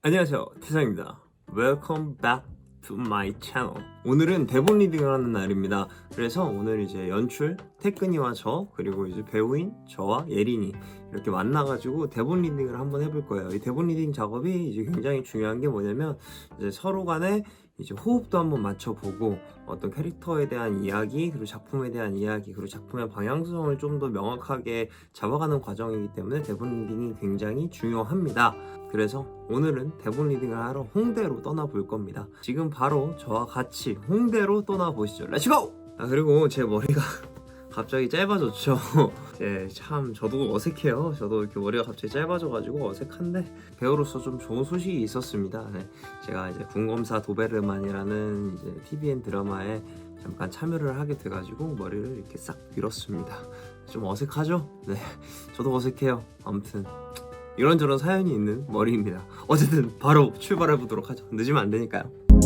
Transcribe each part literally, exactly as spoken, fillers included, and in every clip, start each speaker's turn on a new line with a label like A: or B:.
A: 안녕하세요, 태상입니다. Welcome back to my channel. 오늘은 대본 리딩을 하는 날입니다. 그래서 오늘 이제 연출 태근이와 저 그리고 이제 배우인 저와 예린이 이렇게 만나가지고 대본 리딩을 한번 해볼 거예요. 이 대본 리딩 작업이 이제 굉장히 중요한 게 뭐냐면 이제 서로 간에 이제 호흡도 한번 맞춰보고 어떤 캐릭터에 대한 이야기 그리고 작품에 대한 이야기 그리고 작품의 방향성을 좀 더 명확하게 잡아가는 과정이기 때문에 대본 리딩이 굉장히 중요합니다. 그래서 오늘은 대본 리딩을 하러 홍대로 떠나볼 겁니다. 지금 바로 저와 같이 홍대로 떠나보시죠. 렛츠고! 아, 그리고 제 머리가 갑자기 짧아졌죠. 네, 참 저도 어색해요. 저도 이렇게 머리가 갑자기 짧아져가지고 어색한데 배우로서 좀 좋은 소식이 있었습니다. 네, 제가 이제 군검사 도베르만이라는 이제 티비엔 드라마에 잠깐 참여를 하게 돼가지고 머리를 이렇게 싹 밀었습니다. 좀 어색하죠? 네, 저도 어색해요. 아무튼 이런저런 사연이 있는 머리입니다. 어쨌든 바로 출발해 보도록 하죠. 늦으면 안 되니까요.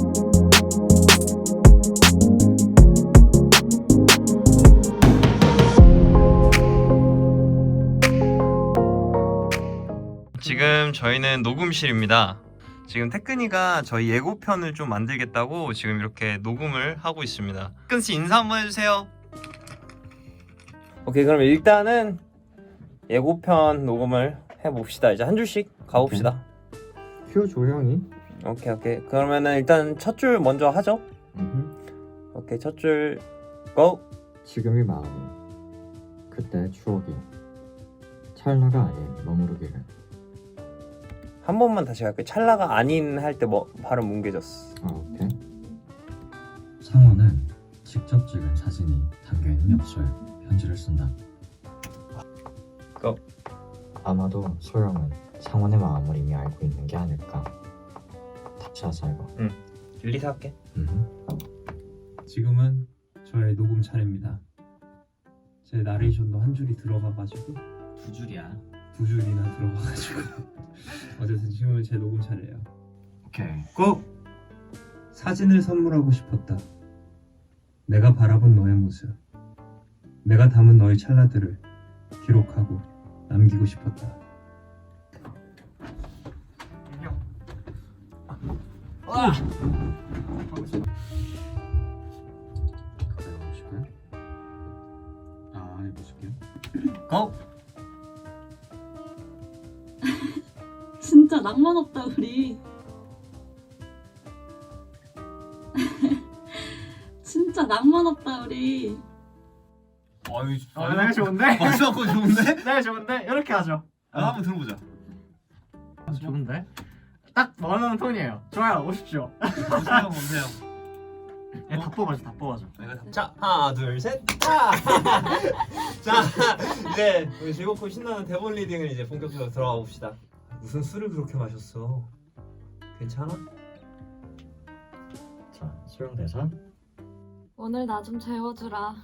A: 지금 저희는 녹음실입니다. 지금 태근이가 저희 예고편을 좀 만들겠다고 지금 이렇게 녹음을 하고 있습니다. 태근씨 인사 한번 해주세요. 오케이, 그럼 일단은 예고편 녹음을 해봅시다. 이제 한 줄씩 가봅시다.
B: 큐 조용히.
A: 오케이 오케이. 그러면은 일단 첫 줄 먼저 하죠.
B: 음흠.
A: 오케이, 첫 줄 고!
B: 지금의 마음이 그때 추억이 찰나가 아닌 머무르기를.
A: 한 번만 다시 갈게요. 찰나가 아닌 할 때 뭐 발음 뭉개졌어.
B: 아, 오케이.
C: 상어는 직접 찍은 사진이 담겨있는 엽서에 편지를 쓴다.
A: 고!
B: 아마도 소영은 상원의 마음을 이미 알고 있는 게 아닐까. 다시 하자 이거.
A: 릴리스 할게.
B: 음흠.
D: 지금은 저의 녹음 차례입니다. 제 나레이션도 한 줄이 들어가가지고
C: 두 줄이야.
D: 두 줄이나 들어가가지고 어쨌든 지금은 제 녹음 차례예요.
C: 오케이.
D: 고! 사진을 선물하고 싶었다. 내가 바라본 너의 모습, 내가 담은 너의 찰나들을 기록하고 남기고 싶었다.
A: 와!
C: 가까이 와보실까요? 아, 해보실게요.
A: 고!
E: 진짜 낭만 없다 우리. 진짜 낭만 없다 우리.
A: 어이,
F: 아, 내가 좋은데?
A: 벌써 거 좋은데?
F: 내가 좋은데? 이렇게 하죠.
A: 아, 한번 들어보자.
F: 좋은데? 딱 원하는 톤이에요. 좋아요, 오십시오.
A: 보세요, 보세요.
F: 야, 다 뽑아줘, 다 뽑아줘.
A: 자, 하나, 둘, 셋. 자, 자, 이제 우리 즐겁고 신나는 대본 리딩을 이제 본격적으로 들어가 봅시다. 무슨 술을 그렇게 마셨어? 괜찮아?
B: 자, 소영 대사.
E: 오늘 나 좀 재워주라.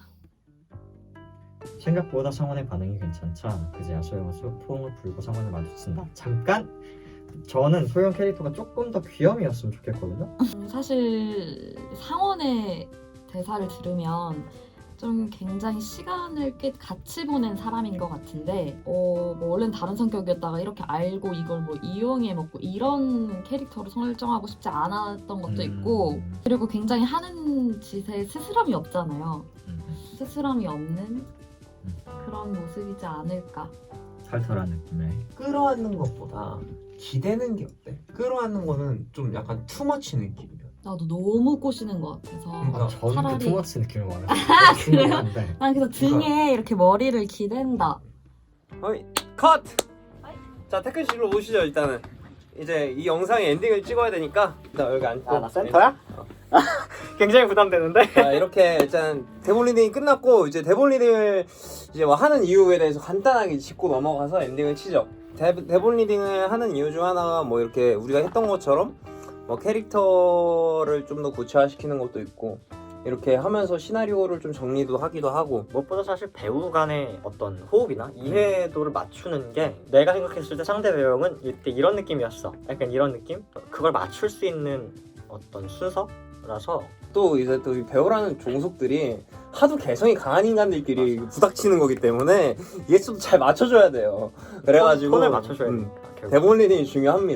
B: 생각보다 상원의 반응이 괜찮자 그제야 소영은 소- 포옹을 불고 상원을 마주친다. 잠깐! 저는 소영 캐릭터가 조금 더 귀염이었으면 좋겠거든요.
E: 음, 사실 상원의 대사를 들으면 좀 굉장히 시간을 꽤 같이 보낸 사람인 것 같은데 어, 뭐 원래는 다른 성격이었다가 이렇게 알고 이걸 뭐 이용해 먹고 이런 캐릭터로 설정하고 싶지 않았던 것도 있고
B: 음.
E: 그리고 굉장히 하는 짓에 스스럼이 없잖아요.
B: 음.
E: 스스럼이 없는 그런 모습이지 않을까.
B: 털털한 느낌의.
A: 끌어안는 것보다 기대는 게 어때? 끌어안는 거는 좀 약간 투머치 느낌이야.
E: 나도 너무 꼬시는 것 같아서
A: 그러니까
B: 아, 저는
E: 차라리-
B: 그 투머치 느낌을 말해요.
E: 아, 그래요?
B: 중요한데.
E: 난 그래서 등에 이렇게 머리를 기댄다.
A: 어이, 컷! 자, 태클 씨로 오시죠. 일단은 이제 이 영상의 엔딩을 찍어야 되니까 나 여기 앉고.
F: 아, 나 센터야?
A: 어.
F: 굉장히 부담되는데?
A: 자, 이렇게 일단 대본 리딩이 끝났고 이제 대본 리딩을 이제 뭐 하는 이유에 대해서 간단하게 짚고 넘어가서 엔딩을 치죠. 대, 대본 리딩을 하는 이유 중 하나가 뭐 이렇게 우리가 했던 것처럼 뭐 캐릭터를 좀 더 구체화시키는 것도 있고 이렇게 하면서 시나리오를 좀 정리도 하기도 하고
G: 무엇보다 사실 배우 간의 어떤 호흡이나 이해도를 맞추는 게 내가 생각했을 때 상대 배우는 이때 이런 느낌이었어. 약간 이런 느낌? 그걸 맞출 수 있는 어떤 순서라서
A: 또 이제 또 이 배우라는 종속들이 하도 개성이 강한 인간들끼리 부닥치는 거기 때문에 이게 좀 잘 맞춰줘야 돼요. 그래가지고
G: 톤을 맞춰줘야
A: 음,
G: 되니까 결국.
A: 대본 리딩이 중요합니다.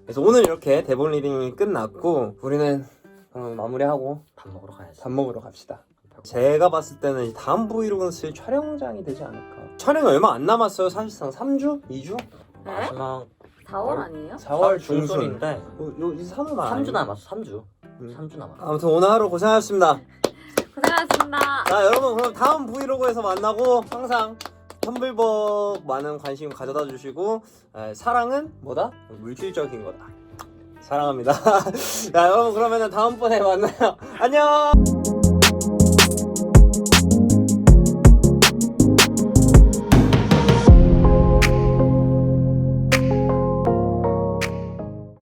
A: 그래서 오늘 이렇게 대본 리딩이 끝났고 우리는 그럼 마무리하고
G: 밥 먹으러 가야지.
A: 밥 먹으러 갑시다. 제가 봤을 때는 이 다음 브이로그는 슬 촬영장이 되지 않을까. 촬영이 얼마 안 남았어요. 사실상 삼 주? 이 주?
G: 마지막
E: 사월 아니에요?
A: 사월 중순.
G: 중순인데
A: 요, 요, 이 삼 월
G: 삼 주 남았어. 삼 주.
A: 음.
G: 삼 주 남았어.
A: 아무튼 오늘 하루 고생하셨습니다.
E: 고생하셨습니다.
A: 자 여러분 그럼 다음 브이로그에서 만나고 항상 텀블벅 많은 관심 가져다 주시고 에, 사랑은 뭐다? 물질적인 거다. 사랑합니다. 자 여러분 그러면은 다음번에 만나요. 안녕.